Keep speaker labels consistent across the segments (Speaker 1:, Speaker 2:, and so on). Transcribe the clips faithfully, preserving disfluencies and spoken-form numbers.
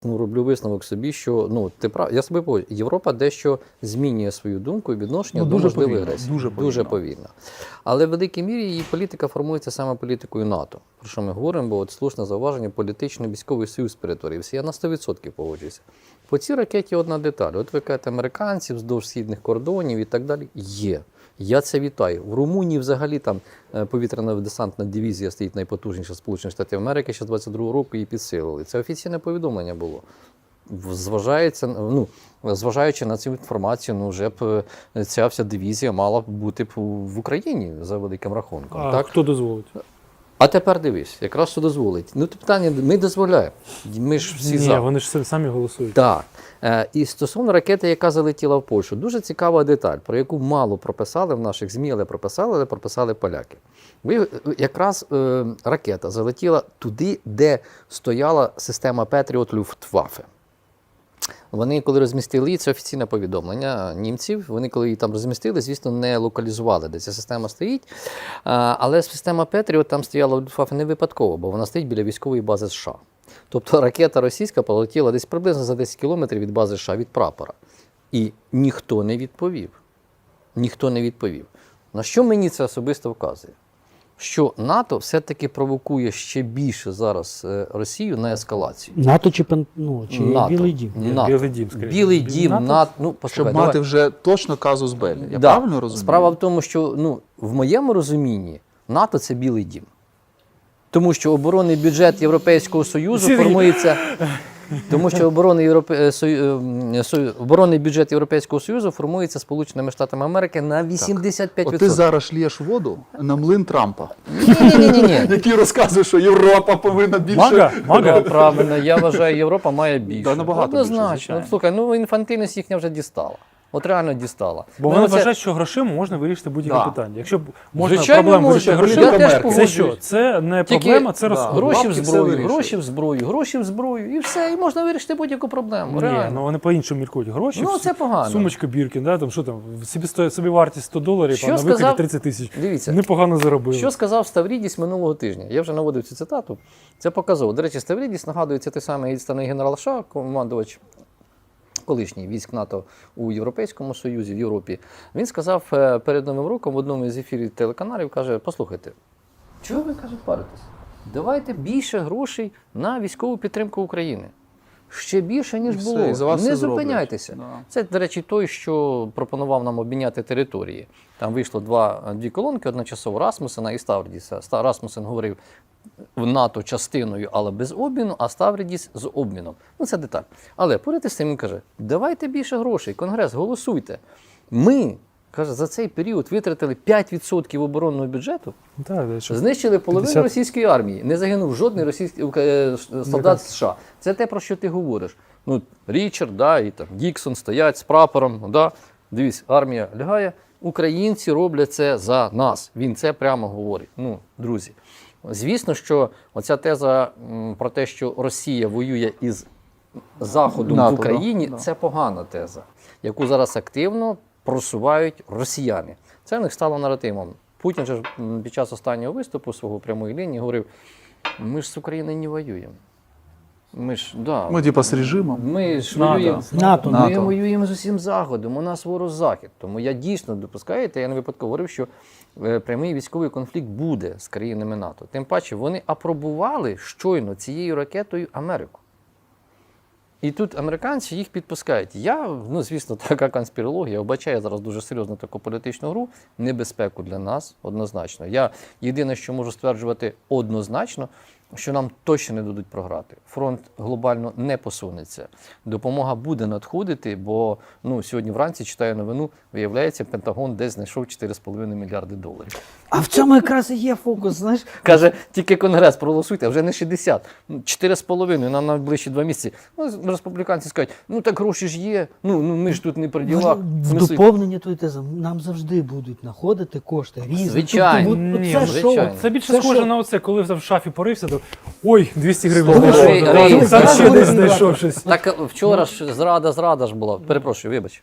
Speaker 1: Ну, роблю висновок собі, що ну ти прав, я собі погоджу, Європа дещо змінює свою думку і відношення
Speaker 2: Ну,
Speaker 1: до
Speaker 2: дуже
Speaker 1: можливої
Speaker 2: повільно,
Speaker 1: агресії.
Speaker 2: дуже повільно.
Speaker 1: Дуже повільно. Але в великій мірі її політика формується саме політикою НАТО. Про що ми говоримо, бо от слушне зауваження, політичний військовий союз перетворився. Я на сто відсотків погоджуюся. По цій ракеті одна деталь. От ви кажете, американців вздовж східних кордонів і так далі. Є. Я це вітаю. В Румунії взагалі там повітряна десантна дивізія стоїть найпотужніша Сполучених Штатів Америки, ще з двадцять другого року її підсилили. Це офіційне повідомлення було. Зважається, ну, зважаючи на цю інформацію, ну, вже б ця вся дивізія мала б бути в Україні за великим рахунком.
Speaker 2: А
Speaker 1: так?
Speaker 2: хто дозволить?
Speaker 1: А тепер дивись, якраз що дозволить. Ну, питання, ми дозволяємо. Ми ж всі
Speaker 2: Ні,
Speaker 1: за.
Speaker 2: вони ж самі голосують.
Speaker 1: Так. Е, і стосовно ракети, яка залетіла в Польщу, дуже цікава деталь, про яку мало прописали в наших ЗМІ, але прописали, але прописали поляки. Ви, якраз е, ракета залетіла туди, де стояла система Петріот Люфтваффе. Вони, коли розмістили її, це офіційне повідомлення німців, вони, коли її там розмістили, звісно, не локалізували, де ця система стоїть. Але система Петріот там стояла в Люфтваффе не випадково, бо вона стоїть біля військової бази США. Тобто ракета російська полетіла десь приблизно за десять кілометрів від бази США, від прапора. І ніхто не відповів. Ніхто не відповів. На що мені це особисто вказує? Що НАТО все-таки провокує ще більше зараз Росію на ескалацію.
Speaker 3: НАТО чи, ну, чи
Speaker 1: НАТО.
Speaker 3: Білий дім?
Speaker 1: НАТО.
Speaker 2: Білий дім, скоріше.
Speaker 1: Білий дім,
Speaker 2: НАТО?
Speaker 1: НАТО. Ну,
Speaker 4: Щоб
Speaker 1: послухай,
Speaker 4: мати
Speaker 1: давай.
Speaker 4: вже точно казус беллі. Я
Speaker 1: Да.
Speaker 4: правильно розумію?
Speaker 1: Справа в тому, що ну, в моєму розумінні НАТО – це Білий дім. Тому що оборонний бюджет Європейського Союзу
Speaker 2: Сергій.
Speaker 1: формується... Тому що оборонний, Європе... Сою... Сою... оборонний бюджет Європейського Союзу формується Сполученими Штатами Америки на вісімдесят п'ять
Speaker 4: От
Speaker 1: відсотків.
Speaker 4: ти зараз шлєш воду на млин Трампа,
Speaker 1: Ні-ні-ні.
Speaker 4: який розказує, що Європа повинна більше...
Speaker 2: Мага? Мага?
Speaker 1: Ну, правильно, я вважаю, Європа має більше.
Speaker 4: Да, набагато більше,
Speaker 1: Однозначно.
Speaker 4: звичайно.
Speaker 1: Ну, слухай, ну інфантильність їхня вже дістала. От реально дістала.
Speaker 2: Бо
Speaker 1: Ну,
Speaker 2: вони
Speaker 1: це-
Speaker 2: вважають, що грошима можна вирішити будь-яке
Speaker 4: Да.
Speaker 2: питання. Якщо б можна
Speaker 1: Звичайно,
Speaker 2: проблему
Speaker 1: можна.
Speaker 2: вирішити
Speaker 1: Я
Speaker 2: грошима,
Speaker 1: теж
Speaker 2: це
Speaker 1: погоджуюсь.
Speaker 2: що? Це не
Speaker 1: Тільки
Speaker 2: проблема, це
Speaker 4: да.
Speaker 2: розход.
Speaker 1: Гроші в
Speaker 4: Бабки все
Speaker 1: зброю,
Speaker 4: вирішують.
Speaker 1: гроші в зброю, гроші в зброю, і все, і можна вирішити будь-яку проблему.
Speaker 2: Ні,
Speaker 1: реально.
Speaker 2: ну вони по-іншому міркують. Гроші,
Speaker 1: Ну,
Speaker 2: всі-
Speaker 1: це погано.
Speaker 2: сумочка Біркін, да, там, що там, собі, сто- собі вартість сто доларів,
Speaker 1: Що
Speaker 2: а на
Speaker 1: сказав-
Speaker 2: виході тридцять тисяч.
Speaker 1: Дивіться,
Speaker 2: Непогано заробили.
Speaker 1: що сказав Ставрідіс минулого тижня? Я вже наводив цю цитату. Це показово. До речі, Ставрідіс нагадується той самий відставний генерал США, командувач колишній військ НАТО у Європейському Союзі, в Європі. Він сказав е, перед Новим роком в одному із ефірів телеканалів, каже, послухайте, чого ви, каже, паритесь? Давайте більше грошей на військову підтримку України. Ще більше, ніж
Speaker 4: І все,
Speaker 1: було.
Speaker 4: і за вас
Speaker 1: Не
Speaker 4: все зроблять.
Speaker 1: зупиняйтеся.
Speaker 4: Да.
Speaker 1: Це, до речі, той, що пропонував нам обміняти території. Там вийшло два, дві колонки одночасово Расмусена і Ставрідіса. Ста- Расмусен говорив в НАТО частиною, але без обміну, а Ставрідіс з обміном. Ну, це деталь. Але поряд із цим він каже, давайте більше грошей, Конгрес, голосуйте. Ми, каже, за цей період витратили п'ять відсотків оборонного бюджету,
Speaker 2: Так, да, що-
Speaker 1: знищили половину
Speaker 2: п'ятдесят
Speaker 1: російської армії. Не загинув жодний російський е, солдат США. Це те, про що ти говориш. Ну, Річард, да, і там Діксон стоять з прапором. Да. Дивись, армія лягає. Українці роблять це за нас. Він це прямо говорить. Ну, друзі, звісно, що оця теза м, про те, що Росія воює із Заходом
Speaker 4: НАТО,
Speaker 1: в Україні,
Speaker 4: да, да.
Speaker 1: це погана теза, яку зараз активно просувають росіяни. Це в них стало наративом. Путін же ж м, під час останнього виступу свого прямої лінії говорив, ми ж з Україною не воюємо. Ми ж, да,
Speaker 4: Ми типа з режимом.
Speaker 1: ми ж
Speaker 2: НАТО.
Speaker 1: воюємо.
Speaker 3: НАТО.
Speaker 1: Ми
Speaker 4: НАТО.
Speaker 1: воюємо з усім Заходом, у нас ворог Захід. Тому я дійсно допускаєте, я не випадково говорив, що е, прямий військовий конфлікт буде з країнами НАТО. Тим паче, вони апробували щойно цією ракетою Америку. І тут американці їх підпускають. Я, ну, звісно, така конспірологія, вбачаю зараз дуже серйозну таку політичну гру, небезпеку для нас однозначно. Я єдине, що можу стверджувати однозначно, що нам точно не дадуть програти. Фронт глобально не посунеться. Допомога буде надходити, бо ну, сьогодні вранці читаю новину, виявляється, Пентагон десь знайшов чотири з половиною мільярди доларів.
Speaker 3: А в цьому якраз і є фокус, знаєш?
Speaker 1: Каже, тільки Конгрес проголосуйте, а вже не шістдесят. чотири з половиною на найближчі два місяці. Ну, республіканці скажуть, ну так гроші ж є, ну, ну ми ж тут не при ділах.
Speaker 3: В
Speaker 1: Смисли-
Speaker 3: доповнення твої тези нам завжди будуть знаходити кошти різні.
Speaker 1: Звичайно.
Speaker 3: Тобто, от-
Speaker 2: Ні,
Speaker 3: оце
Speaker 1: звичайно.
Speaker 3: шоу.
Speaker 2: Це більше
Speaker 3: Це
Speaker 2: схоже
Speaker 3: що?
Speaker 2: на оце, коли в шафі порився, то ой, двісті гривень
Speaker 1: Слухай,
Speaker 2: знайшов.
Speaker 1: Рей,
Speaker 2: Там
Speaker 1: Рей,
Speaker 2: ще
Speaker 3: зараз
Speaker 2: десь
Speaker 3: буде
Speaker 2: знайшов щось.
Speaker 1: Так вчора ж зрада, зрада ж була. Перепрошую, вибач.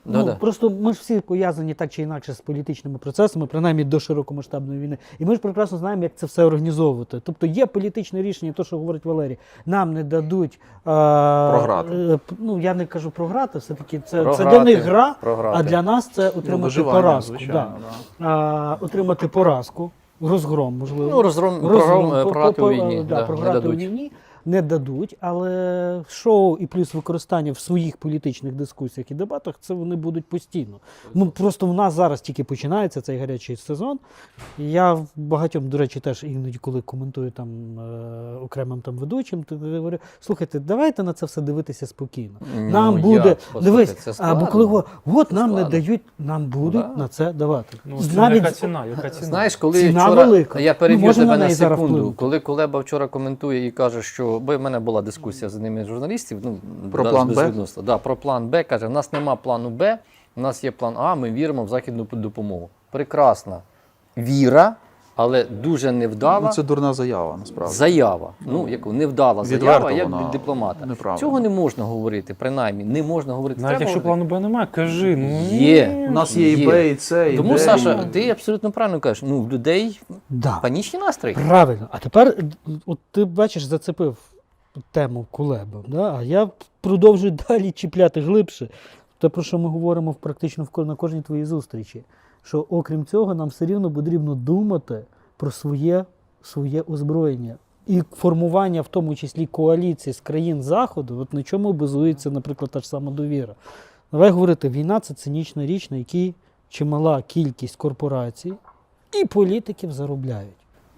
Speaker 1: Да,
Speaker 3: ну,
Speaker 1: да.
Speaker 3: просто ми ж всі пов'язані так чи інакше з політичними процесами, принаймні до широкомасштабної війни. І ми ж прекрасно знаємо, як це все організовувати. Тобто є політичне рішення, то, що говорить Валерій, нам не дадуть а,
Speaker 4: Програти.
Speaker 3: е, ну я не кажу програти, все-таки це, це
Speaker 1: Програти,
Speaker 3: для них гра,
Speaker 1: програти.
Speaker 3: а для нас це
Speaker 4: Ну,
Speaker 3: отримати
Speaker 4: виживання,
Speaker 3: поразку.
Speaker 4: звичайно,
Speaker 3: Да. А, отримати поразку, розгром, можливо.
Speaker 1: Ну, розгром,
Speaker 3: Розгром,
Speaker 1: прогром,
Speaker 3: по-
Speaker 1: програти
Speaker 3: по-
Speaker 1: у війні.
Speaker 3: да,
Speaker 1: Да, не
Speaker 3: програти у
Speaker 1: дадуть.
Speaker 3: війні не дадуть, але шоу і плюс використання в своїх політичних дискусіях і дебатах це вони будуть постійно. Ну просто в нас зараз тільки починається цей гарячий сезон. І я багатьом, до речі, теж іноді, коли коментую там е, окремим там ведучим, то говорю: слухайте, давайте на це все дивитися спокійно.
Speaker 1: Ну,
Speaker 3: Нам
Speaker 1: як?
Speaker 3: буде
Speaker 1: Послухайте,
Speaker 3: дивись,
Speaker 1: це
Speaker 3: або
Speaker 1: складно.
Speaker 3: коли говорять, от нам не
Speaker 1: складно.
Speaker 3: дають, нам будуть
Speaker 1: Да.
Speaker 3: на це давати.
Speaker 2: Ну, це
Speaker 3: Навіть
Speaker 2: яка ціна, яка ціна?
Speaker 1: Знаєш, коли
Speaker 3: Ціна
Speaker 1: вчора,
Speaker 3: велика.
Speaker 1: я
Speaker 3: Ми
Speaker 1: переб'ю
Speaker 3: можемо
Speaker 1: тебе
Speaker 3: на
Speaker 1: на
Speaker 3: неї зараз
Speaker 1: секунду,
Speaker 3: вплинути.
Speaker 1: коли Кулеба вчора коментує і каже, що бо в мене була дискусія з одним із журналістів, ну,
Speaker 4: Про
Speaker 1: да,
Speaker 4: план Б?
Speaker 1: безвідносно. Да, про план Б, каже, в нас нема плану Б, у нас є план А, ми віримо в західну допомогу. Прекрасна віра, але дуже невдала
Speaker 4: Ну, це дурна заява, насправді.
Speaker 1: заява. Ну, яку невдала
Speaker 4: Відверто
Speaker 1: заява, як
Speaker 4: вона
Speaker 1: від дипломата.
Speaker 4: неправильна.
Speaker 1: Цього не можна говорити, принаймні, не можна говорити.
Speaker 2: Навіть
Speaker 1: Треба
Speaker 2: якщо
Speaker 1: говорити.
Speaker 2: плану Б немає, кажи. Ну,
Speaker 1: Є.
Speaker 2: ні.
Speaker 4: У нас є і
Speaker 1: Є.
Speaker 4: Б, і С, і
Speaker 1: Тому,
Speaker 4: Д,
Speaker 1: Саша,
Speaker 4: і-
Speaker 1: ти абсолютно правильно кажеш, ну, в людей
Speaker 3: Да.
Speaker 1: панічні настрої.
Speaker 3: Правильно. А тепер, от ти бачиш, зацепив тему Кулеба, да? А я продовжую далі чіпляти глибше. Те, про що ми говоримо практично в ко- на кожній твоїй зустрічі. Що окрім цього, нам все рівно потрібно думати про своє, своє озброєння. І формування, в тому числі коаліції з країн Заходу, от на чому базується, наприклад, та ж сама довіра. Давай говорити, війна – це цинічна річ, на якій чимала кількість корпорацій і політиків заробляють.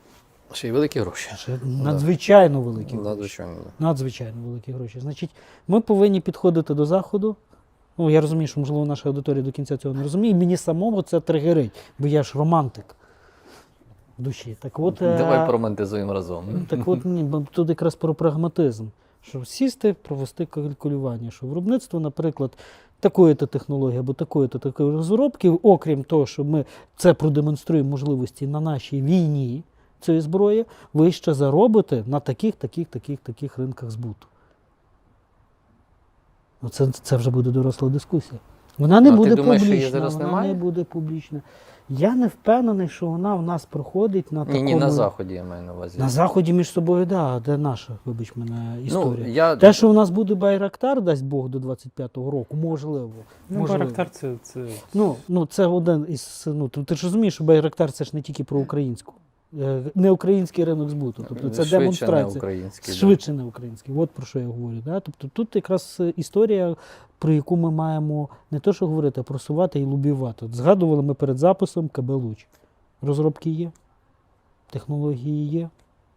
Speaker 1: Ще й великі гроші.
Speaker 3: Це надзвичайно великі гроші.
Speaker 1: Надзвичайно. да.
Speaker 3: Надзвичайно великі гроші. Значить, ми повинні підходити до Заходу. Ну, я розумію, що, можливо, наша аудиторія до кінця цього не розуміє. І мені самому це тригерить, бо я ж романтик в душі. Так от, е,
Speaker 1: Давай поромантизуємо разом.
Speaker 3: так от ні, бо тут якраз про прагматизм. Що сісти, провести калькулювання. Що виробництво, наприклад, такої-то технології або такої-то такої розробки, окрім того, що ми це продемонструємо можливості на нашій війні цієї зброї, ви ще заробите на таких, таких, таких, таких ринках збуту. Ну, це, це вже буде доросла дискусія. Вона не
Speaker 1: А ти
Speaker 3: буде
Speaker 1: думаєш, що її
Speaker 3: публічна.
Speaker 1: зараз
Speaker 3: Вона
Speaker 1: немає?
Speaker 3: не буде публічна. Я не впевнений, що вона в нас проходить на
Speaker 1: Ні,
Speaker 3: такому...
Speaker 1: ні, на Заході я маю на увазі.
Speaker 3: На Заході між собою, так, да, де наша, вибач мене, історія.
Speaker 1: Ну, я...
Speaker 3: Те, що в нас буде Байрактар, дасть Бог, до двадцять п'ятого року, можливо.
Speaker 2: Ну,
Speaker 3: можливо.
Speaker 2: Байрактар це, це...
Speaker 3: Ну, ну, це один із. Ну, ти, ти ж розумієш, що Байрактар це ж не тільки про українську. Е, Не український ринок збуту. Тобто це
Speaker 1: Швидше не
Speaker 3: демонстрація.
Speaker 1: український. да.
Speaker 3: Швидше не український. От про що я говорю. Да? Тобто тут якраз е, історія, про яку ми маємо не то, що говорити, а просувати і лобівати. От згадували ми перед записом КБ «Луч». Розробки є, технології є.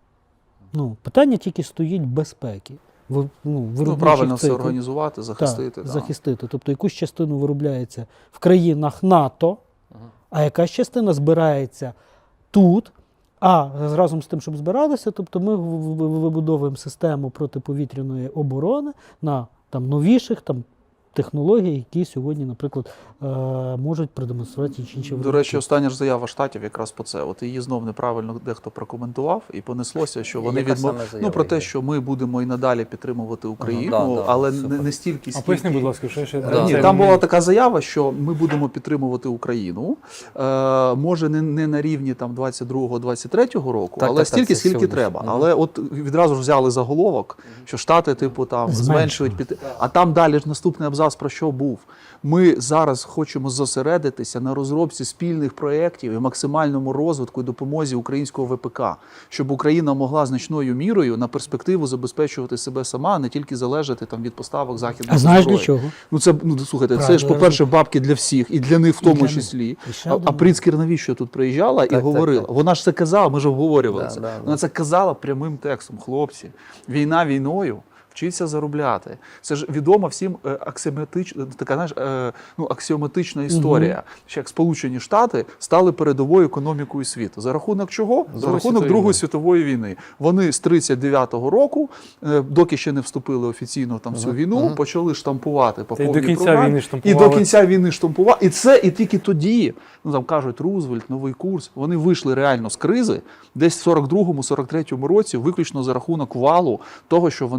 Speaker 3: Ну, питання тільки стоїть безпеки. Ви- Ну,
Speaker 4: Ну,
Speaker 3: виробничих
Speaker 4: правильно все
Speaker 3: циклів.
Speaker 4: організувати, захистити.
Speaker 3: Так,
Speaker 4: да.
Speaker 3: захистити. Тобто якусь частину виробляється в країнах НАТО,
Speaker 1: Ага.
Speaker 3: а якась частина збирається тут. А разом з тим, щоб збиралися, тобто ми в- в- в- вибудовуємо систему протиповітряної оборони на там, новіших там, технологій, які сьогодні, наприклад, е, можуть продемонструвати інші інші
Speaker 4: До
Speaker 3: виробники.
Speaker 4: речі, остання ж заява Штатів якраз по це. От її знов неправильно дехто прокоментував, і понеслося, що вони
Speaker 1: Яка
Speaker 4: відмов...
Speaker 1: саме заява
Speaker 4: ну, про те,
Speaker 1: є?
Speaker 4: що ми будемо і надалі підтримувати Україну,
Speaker 1: да, да,
Speaker 4: але не,
Speaker 1: супер.
Speaker 4: не стільки,
Speaker 2: А
Speaker 4: скільки...
Speaker 2: поясни, будь ласка, що ще...
Speaker 1: Да.
Speaker 4: Ні,
Speaker 2: це-
Speaker 4: там була така заява, що ми будемо підтримувати Україну. Е, може, не, не на рівні там двадцять другого двадцять третього року,
Speaker 1: Так,
Speaker 4: але
Speaker 1: так, так,
Speaker 4: стільки,
Speaker 1: це
Speaker 4: скільки
Speaker 1: сьогодні.
Speaker 4: треба.
Speaker 1: Мгм.
Speaker 4: Але от відразу ж взяли заголовок, що Штати, типу, там зменшують під... А там далі ж наступний абзац про що був. Ми зараз хочемо зосередитися на розробці спільних проєктів і максимальному розвитку і допомозі українського ВПК, щоб Україна могла значною мірою на перспективу забезпечувати себе сама, а не тільки залежати там від поставок західної
Speaker 3: А знаєш
Speaker 4: зброї.
Speaker 3: для чого?
Speaker 4: Ну це ну слухайте, це
Speaker 3: Правда,
Speaker 4: ж по-перше, бабки для всіх, і для них в
Speaker 3: І для
Speaker 4: тому
Speaker 3: них.
Speaker 4: числі.
Speaker 3: І ще
Speaker 4: А,
Speaker 3: одне.
Speaker 4: а Пріцкер навіщо тут приїжджала і
Speaker 1: Так, так,
Speaker 4: говорила?
Speaker 1: так.
Speaker 4: Вона ж це казала, ми ж обговорювали
Speaker 1: Да,
Speaker 4: це.
Speaker 1: да, да.
Speaker 4: Вона це казала прямим текстом. Хлопці, війна війною. Вчиться заробляти. Це ж відома всім е, аксіоматична, така знаєш, е, ну, аксіоматична історія. Що як Сполучені Штати стали передовою економікою світу. За рахунок чого? За
Speaker 1: Другої
Speaker 4: рахунок
Speaker 1: світової
Speaker 4: Другої
Speaker 1: війни.
Speaker 4: світової війни. Вони з тридцять дев'ятого року, е, доки ще не вступили офіційно там в цю війну, почали штампувати по
Speaker 2: Та й до
Speaker 4: повній
Speaker 2: кінця
Speaker 4: програмі.
Speaker 2: війни
Speaker 4: І
Speaker 2: штампували.
Speaker 4: до кінця війни штампували. І це і тільки тоді, ну там кажуть, Рузвельт, новий курс, вони вийшли реально з кризи десь в сорок другому сорок третьому році, виключно за рахунок валу того, що вони виробляли.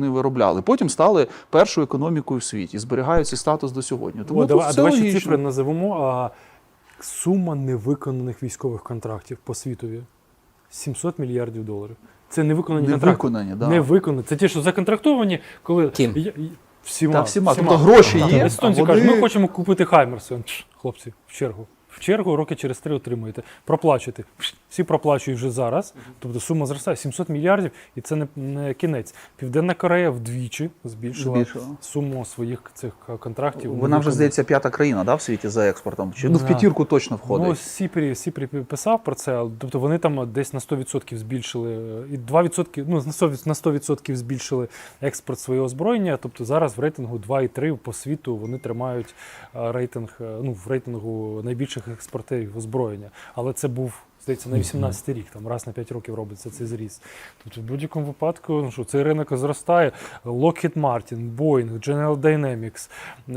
Speaker 4: виробляли. Потім стали першою економікою в світі, зберігають цей статус до сьогодні. Тому
Speaker 2: О,
Speaker 4: тут
Speaker 2: давай, а
Speaker 4: все
Speaker 2: давай ще
Speaker 4: логічно.
Speaker 2: цифри називемо. А, сума невиконаних військових контрактів по світові сімсот мільярдів доларів. Це невиконані
Speaker 4: Не
Speaker 2: контракти.
Speaker 4: виконані, да.
Speaker 2: Не виконані. Це ті, що законтрактовані, коли
Speaker 1: Ким?
Speaker 2: Я- я- всіма.
Speaker 4: Та всіма. Тобто гроші
Speaker 2: Так,
Speaker 4: є,
Speaker 2: Естонці
Speaker 4: а
Speaker 2: кажуть,
Speaker 4: вони-
Speaker 2: ми хочемо купити Хаймерс. Пш, Хлопці, в чергу. В чергу роки через три отримуєте. Проплачуєте. Пш, Всі проплачують вже зараз. Тобто сума зростає сімсот мільярдів, і це не, не кінець. Південна Корея вдвічі збільшила,
Speaker 4: Збільшила.
Speaker 2: суму своїх цих контрактів.
Speaker 4: Вона вже,
Speaker 2: невиконаних.
Speaker 4: здається, п'ята країна, да, в світі за експортом. Чи ну, в
Speaker 2: Да.
Speaker 4: п'ятірку точно входить.
Speaker 2: Ну, Сіпрі, Сіпрі писав про це, тобто вони там десь на сто відсотків збільшили, і два відсотки, ну, на сто відсотків на сто відсотків збільшили експорт свого озброєння, тобто зараз в рейтингу два і три по світу вони тримають е, рейтинг, е, ну, в рейтингу найбільших експортерів озброєння. Але це був, здається, на вісімнадцятий рік, там раз на п'ять років робиться цей зріст. Тобто в будь-якому випадку, ну, що цей ринок зростає. Lockheed Martin, Boeing, General Dynamics, е,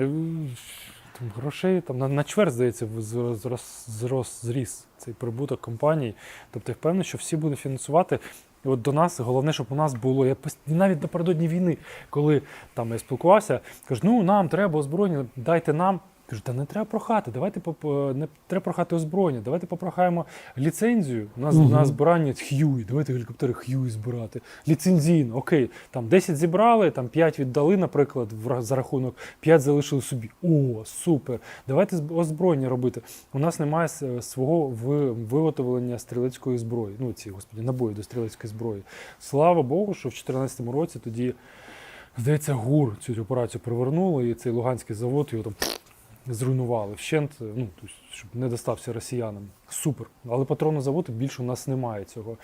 Speaker 2: там грошей там на, на чверть, здається, зрос, зрос, зрос зріс цей прибуток компаній. Тобто я впевнений, що всі будуть фінансувати. І от до нас, головне, щоб у нас було, я пос- навіть напередодні війни, коли там я спілкувався, кажуть, ну нам треба озброєння, дайте нам. Кажу, та не треба прохати, давайте поп- не треба прохати озброєння, давайте попрохаємо ліцензію. У нас
Speaker 3: Мгм.
Speaker 2: на збирання Хьюі, давайте гелікоптери Хьюі збирати. Ліцензійно, окей, там десять зібрали, там п'ять віддали, наприклад, в ра- за рахунок, п'ять залишили собі. О, супер! Давайте зб- озброєння робити. У нас немає с- свого ви- виготовлення стрілецької зброї. Ну, ці, господі, набої до стрілецької зброї. Слава Богу, що в дві тисячі чотирнадцятому році тоді, здається, ГУР цю операцію привернули, і цей Луганський завод його там зруйнували вщент, ну, тобто, щоб не достався росіянам. Супер. Але патронного заводу більше у нас немає цього.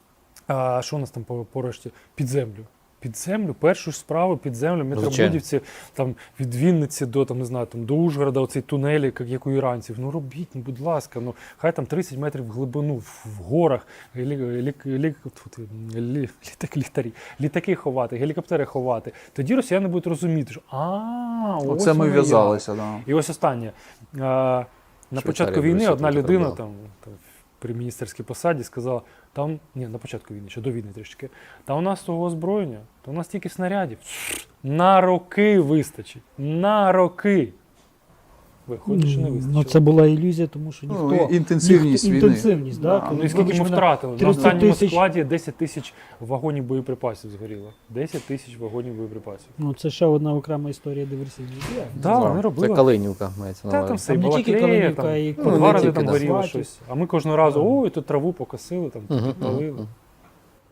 Speaker 2: А що у нас там по, по решті? Під землю. Під землю, першу ж справу під землю, метробудівці, там від Вінниці до, там, не знаю, там, до Ужгорода, оцей тунелі, як, як у іранців. Ну робіть, ну, будь ласка, ну хай там тридцять метрів в глибину, в, в горах, лі, лі, лі, тут, лі, літаки, літарі, літаки ховати, гелікоптери ховати. Тоді росіяни будуть розуміти, що а, ось
Speaker 4: Оце ми
Speaker 2: воно як.
Speaker 4: в'язалися. Да.
Speaker 2: І ось останнє. А, на
Speaker 1: Швейцарія
Speaker 2: початку
Speaker 1: б
Speaker 2: війни
Speaker 1: Росію
Speaker 2: одна
Speaker 1: тут
Speaker 2: людина
Speaker 1: робила.
Speaker 2: там, там при міністерській посаді сказала, там, ні, на початку війни, ще до війни трішки, та у нас того озброєння, то у нас тільки снарядів. На роки вистачить. На роки. Виходить, що не вистачить.
Speaker 3: Ну, це була ілюзія, тому що ніхто...
Speaker 4: Ну, і- інтенсивність
Speaker 3: ніхто-
Speaker 4: війни.
Speaker 3: Інтенсивність, да.
Speaker 4: Да.
Speaker 3: коли,
Speaker 2: Ну і скільки
Speaker 3: вибач
Speaker 2: ми
Speaker 3: мене,
Speaker 2: втратили? На
Speaker 3: тридцять
Speaker 2: останньому
Speaker 3: тисяч.
Speaker 2: складі десять тисяч вагонів боєприпасів згоріло. десять тисяч вагонів боєприпасів.
Speaker 3: Ну, це ще одна окрема історія диверсійної діяльності.
Speaker 2: Да, вони
Speaker 1: Це
Speaker 2: робили.
Speaker 1: Калинівка мається на
Speaker 2: Та там
Speaker 1: увазі.
Speaker 2: все, і
Speaker 3: Там не тільки
Speaker 2: Балаклея,
Speaker 3: Калинівка,
Speaker 2: там,
Speaker 3: і
Speaker 2: по
Speaker 1: Ну,
Speaker 2: два
Speaker 1: не
Speaker 2: рази
Speaker 1: тільки,
Speaker 2: там
Speaker 1: да.
Speaker 2: горіло
Speaker 3: Сватів.
Speaker 2: щось. А ми кожного разу,
Speaker 1: Ага.
Speaker 2: ой, тут траву покосили, там
Speaker 1: Мгм,
Speaker 2: підпалили.
Speaker 1: мгм.